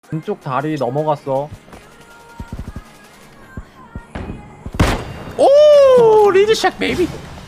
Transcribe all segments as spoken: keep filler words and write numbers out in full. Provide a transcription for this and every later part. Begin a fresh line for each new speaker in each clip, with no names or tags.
왼쪽 다리 넘어갔어.
오 리드샷 베이비.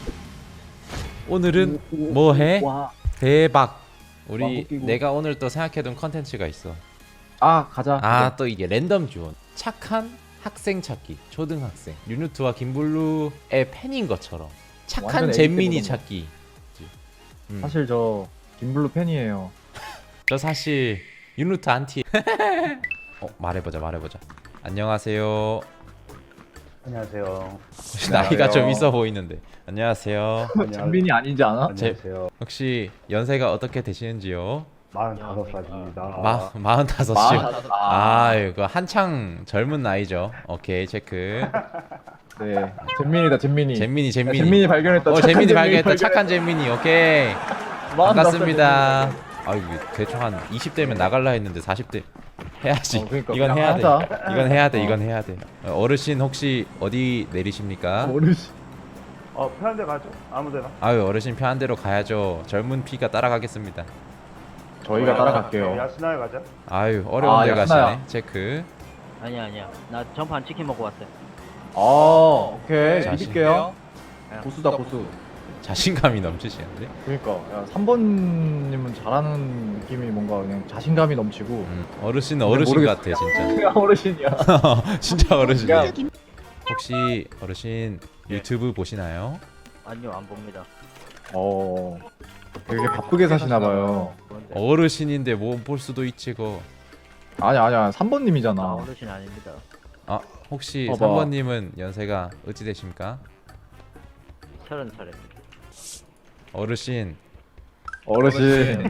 오늘은 뭐해?
와.
대박.
와,
우리
웃기고.
내가 오늘 또 생각해둔 컨텐츠가 있어.
아 가자.
아 또 이게 랜덤 주원. 착한 학생 찾기. 초등학생. 유누트와 김블루의 팬인 것처럼 착한
완전
잼민이
에이티
찾기. 음.
사실 저 김블루 팬이에요.
저 사실 유누트 안티. 어 말해보자 말해보자. 안녕하세요.
안녕하세요.
혹시 나이가 좀 있어 보이는데. 안녕하세요.
장빈이 아니지 않아?
안녕하세요.
혹시 연세가 어떻게 되시는지요?
마흔다섯 살입니다.
마 마흔다섯이요.
마흔다섯.
아 이거 한창 젊은 나이죠. 오케이 체크.
네. 잼민이다 잼민이.
잼민이
야,
잼민이.
잼민이 발견했다.
어
착한
잼민이 발견했다.
발견했다.
착한 잼민이. 오케이.
마흔다섯
반갑습니다.
잼민이.
아 이거 대충 한 이십 대면 나갈라 했는데 사십 대 해야지.
어, 그러니까
이건
그냥
해야 돼.
하자.
이건 해야 돼.
어.
이건 해야 돼. 어, 어르신 혹시 어디 내리십니까?
어르신.
어, 편한 데 가죠? 아무데나.
아유 어르신 편한 대로 가야죠. 젊은 피가 따라가겠습니다.
저희가 따라갈게요.
야시나에 가자.
아유 어려운
아,
데
야스나야.
가시네. 체크.
아니야 아니야 나 전판 치킨 먹고 왔어요.
아 오케이.
자신.
믿을게요. 고수다 고수.
자신감이 넘치시는데.
그러니까 야, 삼 번님은 잘하는 느낌이 뭔가 그냥 자신감이 넘치고.
음, 어르신은
근데
어르신
모르겠어.
같아 진짜.
내가 어르신이야.
진짜 어르신이야.
야.
혹시 어르신 유튜브 보시나요?
아니요 안 봅니다.
어. 되게 바쁘게 사시나 봐요.
그런데
어르신인데 뭐 볼 수도 있지 거.
아니야 아니야 삼
나
번님이잖아.
어르신 아닙니다.
아 혹시
봐봐.
삼 번님은 연세가 어찌 되십니까?
서른 살입니다.
어르신.
어르신.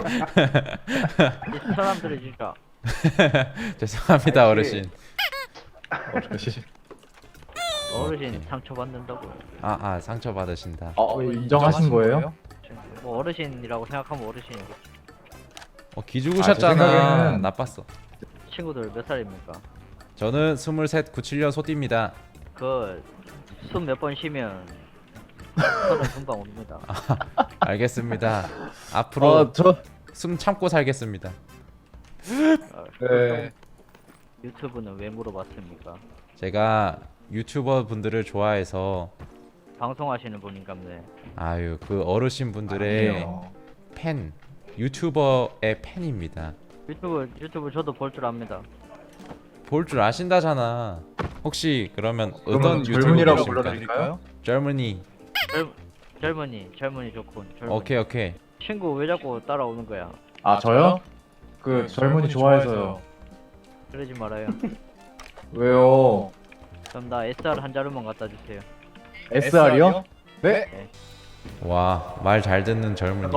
이 사람들이 진짜
죄송합니다
아이씨.
어르신.
어르신.
어르신 상처 받는다고.
아 아 상처 받으신다.
어 인정하신 거예요?
뭐 어르신이라고 생각하면 어르신이고.
어 기죽으셨잖아.
아, 제 생각에는-
나빴어.
친구들 몇 살입니까?
저는 스물셋 구십칠 년 소띠입니다.
그 숨 몇 번 쉬면 서른 금방 옵니다.
알겠습니다. 앞으로
어저
숨 참고 살겠습니다.
어,
네.
유튜브는 왜 물어봤습니까?
제가 유튜버 분들을 좋아해서
방송하시는 분인가보네.
아유 그 어르신 분들의
아니에요.
팬 유튜버의 팬입니다.
유튜브 유튜브 저도 볼 줄 압니다.
볼 줄 아신다잖아. 혹시 그러면
그러면
어떤 유튜브
젊은이라고
보십니까?
불러드릴까요?
젊은이.
젊 젊은이 젊은이 좋군. 젊은이.
오케이 오케이.
친구 왜 자꾸 따라오는 거야?
아 저요? 그 젊은이 좋아해서요.
그러지 말아요.
왜요?
그럼 나 에스알 한 자루만 갖다 주세요.
에스알이요? 네?
와 말 잘 듣는 젊은이.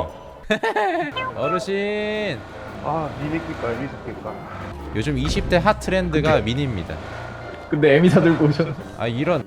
어르신.
아, 미니킬까, 미스킬까.
요즘 이십 대 핫 트렌드가 미니입니다.
근데 에미사 들고 오셨네.
아 이런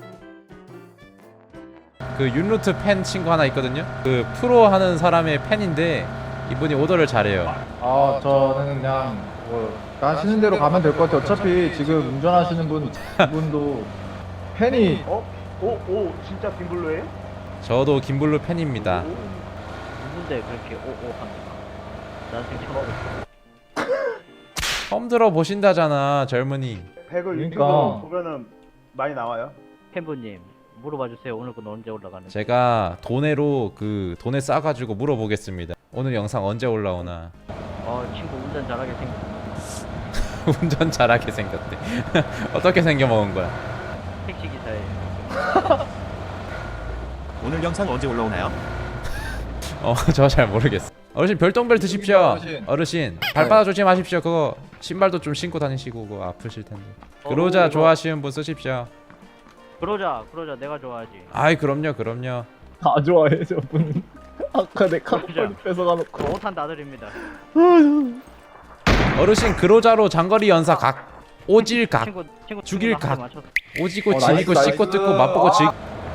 그 윤루트 팬 친구 하나 있거든요. 그 프로 하는 사람의 팬인데 이분이 오더를 잘해요.
아 저는 그냥 뭐 가시는 대로 가면 될 것 같아요. 어차피 지금 운전하시는 분 분도 팬이
어? 오, 오, 진짜 김블루예요?
저도 김블루 팬입니다.
오.
누군데 그렇게 오오 합니까? 난 지금 처음 봤어.
처음 들어 보신다잖아 젊은이.
백을
그러니까.
유튜브 보면은 많이 나와요.
팬분님 물어봐 주세요. 오늘 건 언제 올라가는지.
제가 돈으로 그 돈에 싸가지고 물어보겠습니다. 오늘 영상 언제 올라오나.
어 친구 운전 잘하게 생겼.
운전 잘하게 생겼대. 어떻게 생겨 먹은 거야?
택시 기사에.
오늘 영상 언제 올라오나요?
어 저 잘 모르겠어. 어르신 별똥별 드십시오.
어르신.
어르신 발바닥 조심하십시오. 그거 신발도 좀 신고 다니시고 그거 아프실 텐데. 그로자
어,
좋아하시는 분 쓰십시오.
그러자 그러자 내가 좋아하지.
아이 그럼요 그럼요.
다 좋아해 저분은. 아까 내 카드까지
그죠?
뺏어가놓고.
그 오탄 나들입니다.
어르신 그로자로 장거리 연사 각 오질 각
친구 친구
죽일
친구가 한대
각.
맞췄어.
오지고
어,
지리고
나이스,
씻고
나이스.
뜯고 맛보고 즐.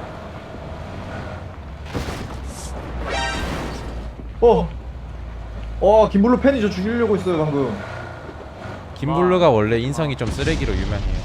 어. 어 김블루 팬이 저 죽이려고 있어요 방금.
김블루가 원래 인성이 좀 쓰레기로 유명해요.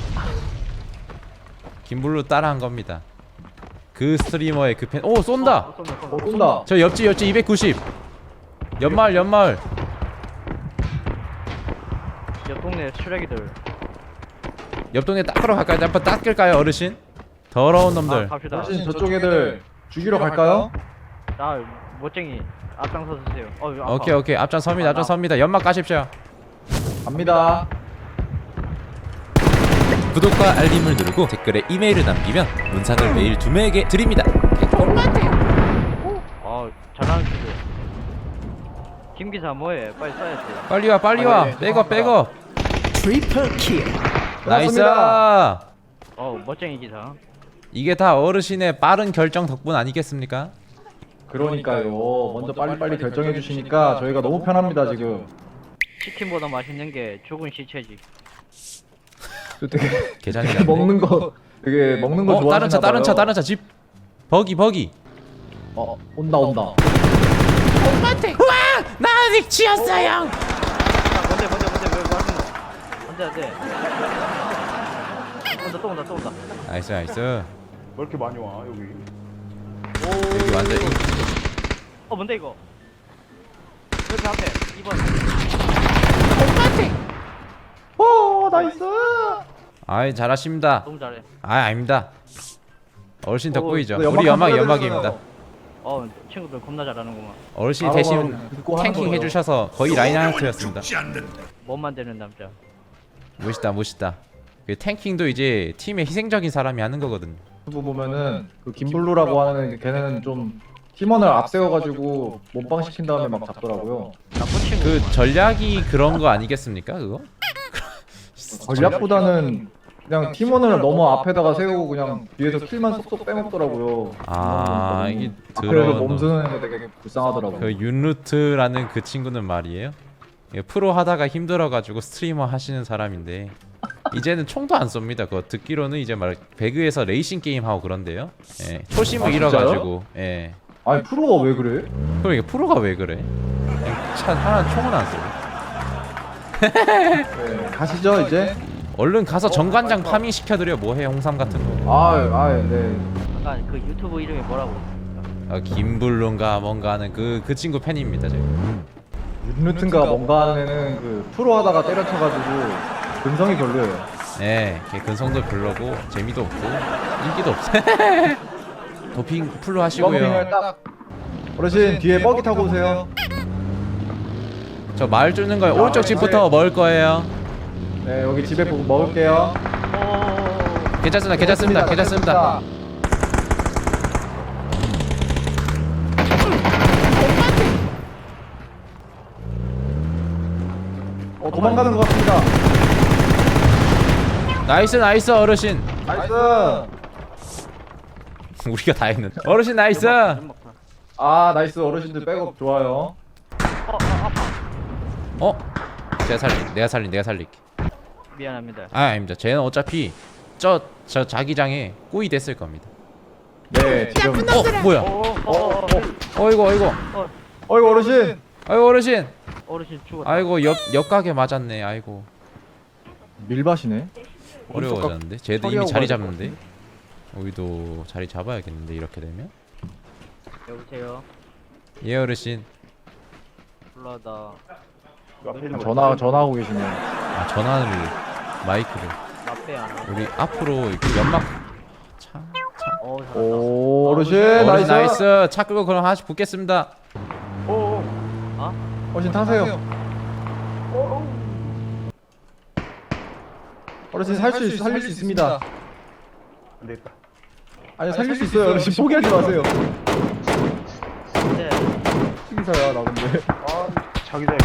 김블루 따라한 겁니다. 그 스트리머의 그 팬. 오 쏜다.
어, 쏜다, 쏜다.
어 쏜다.
저 옆집 옆집 이백구십. 연마을 연마을.
옆 동네 쓰레기들.
옆 동네 닦으러 갈까요? 한번 닦을까요 어르신? 더러운
아,
놈들.
갑시다.
어르신 저쪽 애들 죽이러 갈까요?
아, 멋쟁이 앞장서 주세요. 어, 아파.
오케이 오케이 앞장 섭니다 앞장 섭니다. 연막 가십시오.
갑니다.
구독과 알림을 누르고 댓글에 이메일을 남기면 문상을 매일 두 명에게 드립니다. 개꿀 같아요.
아, 잘하는 친구. 김 기사 뭐해? 빨리 써야지.
빨리 와 빨리 와.
아, 네,
백업 백업.
트리플 킬.
나이스.
고맙습니다.
어, 멋쟁이 기사.
이게 다 어르신의 빠른 결정 덕분 아니겠습니까?
그러니까요. 먼저 빨리빨리 결정해 주시니까 저희가 너무 편합니다 지금.
치킨보다 맛있는 게 죽은 시체지.
되게,
계산이
되게
안 돼.
먹는 거 되게 먹는 거
어 다른 차
좋아하시나
다른 차
봐요.
다른 차 집. 버기 버기.
어 온다 온다.
엄마한테. 와! 나 아직 치였어요.
아, 뭔데, 뭔데, 뭔데, 왜, 뭐 하는 거? 안 돼, 안 돼. 온다, 또 온다, 또 온다.
나이스 나이스.
왜 이렇게 많이 와 여기?
여기 완전 이-
어, 뭔데, 이거? 여기 앞에, 이 번.
오 나이스.
아이 잘하십니다.
너무 잘해.
아 아닙니다. 어르신
어,
덕분이죠.
네,
우리
연막
연막
한번
연막입니다.
해주세요.
어, 친구들 겁나 잘하는구만.
어르신
바로
대신
바로 듣고 하는
탱킹
거예요.
해주셔서 거의 라인하르트였습니다.
못 만드는 남자.
멋있다 멋있다. 그 탱킹도 이제 팀의 희생적인 사람이 하는 거거든.
유튜브 보면은 그 김블루라고 하는 걔는 좀 팀원을 앞세워가지고 몸빵 시킨 다음에 막 잡더라고요.
나쁜 친구.
그 전략이 그런 거 아니겠습니까 그거?
전략보다는 그냥 팀원을 너무 앞에다가 세우고 그냥 뒤에서 킬만 쏙쏙 빼먹더라고요.
아 이게
앞에서
드러운
몸 쓰는 게 되게 불쌍하더라고요.
그 윤루트라는 그 친구는 말이에요. 예, 프로 하다가 힘들어가지고 스트리머 하시는 사람인데 이제는 총도 안 쏩니다. 그거 듣기로는 이제 말 배그에서 레이싱 게임 하고 그런데요. 예, 초심을
아, 진짜요?
잃어가지고 예.
아니 프로가 왜 그래?
그럼 이게 프로가 왜 그래? 차 하나 총은 안 쏘고.
네, 가시죠 이제.
얼른 가서 정관장 파밍 시켜드려. 뭐해 홍삼 같은 거.
아, 아, 네.
아까 그 유튜브 이름이 뭐라고 했습니까?
어, 김블룬가 뭔가 하는 그 그 친구 팬입니다 제가.
윤루튼가 뭔가 하는 애는 그 프로 하다가 때려쳐가지고 근성이 별로예요.
예, 걔 근성도 별로고 재미도 없고 인기도 없어. 도핑 풀로
펌핑을
하시고요.
딱. 어르신 뒤에 버기 타고 오세요.
저 마을 뚫는 거에
아,
오른쪽
네.
집부터 먹을 거예요.
네 여기 집에 보고 먹을게요.
오,
괜찮습니다. 괜찮습니다. 괜찮습니다.
어 도망가는 것 같습니다.
나이스 나이스 어르신.
나이스.
우리가 다 했는데. 어르신 나이스.
아 나이스 어르신들 백업 좋아요.
어, 아, 아파.
어? 제가 살리. 내가 살리. 내가 살릴게.
미안합니다.
아 아닙니다. 쟤는 어차피 저 저 자기장에 꼬이 됐을 겁니다.
네 지금.
어 뭐야?
어, 어, 어, 어,
어이구 어이구.
어,
어이구 어르신.
아이고 어르신.
어르신 죽었다.
아이고 옆 옆가게 맞았네. 아이고
밀밭이네.
어려워졌는데. 쟤도 이미
처리하고
자리
가야 될것
잡는데. 우리도 자리 잡아야겠는데 이렇게 되면.
여보세요.
예 어르신.
불러다.
그 앞에 있는 거
전화 전화하고 계시네요.
아 전화를 마이크를.
나빼 안 와.
우리 앞으로 이렇게 연막. 참.
어, 잘한다.
오 어르신
어르신
나이스.
나이스. 차 끄고 그럼 하나씩 붙겠습니다.
오오
어르신 타세요. 어르신 살 수 살릴 수 있습니다.
안 되겠다.
아니 살릴 수 있어요. 어르신 포기하지 마세요.
네.
특이사야 나 근데.
아 자기장.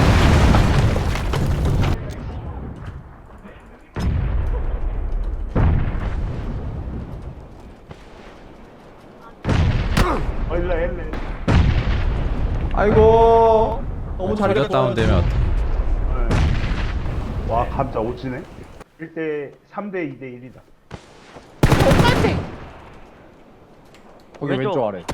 어 일로 일로.
아이고 너무 잘
조져 다운되면 어떡해.
네. 와 감자 오지네. 일 대 삼 대 이 대 일이다.
거기
왼쪽.
왼쪽 아래.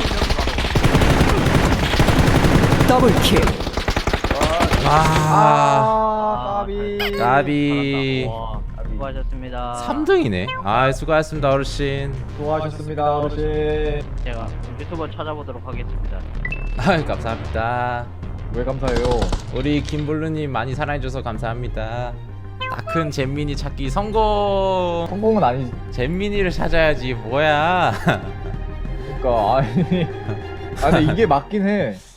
더블 킬.
아.
아 까비.
까비.
와, 수고하셨습니다.
삼 등이네. 아, 수고하셨습니다, 어르신.
수고하셨습니다 어르신.
제가 유튜버 찾아보도록 하겠습니다.
아, 감사합니다.
왜 감사해요?
우리 김블루님 많이 사랑해줘서 감사합니다. 다 큰 잼민이 찾기 성공.
성공은 아니지.
잼민이를 찾아야지 뭐야.
그러니까 아니. 아 근데 이게 맞긴 해.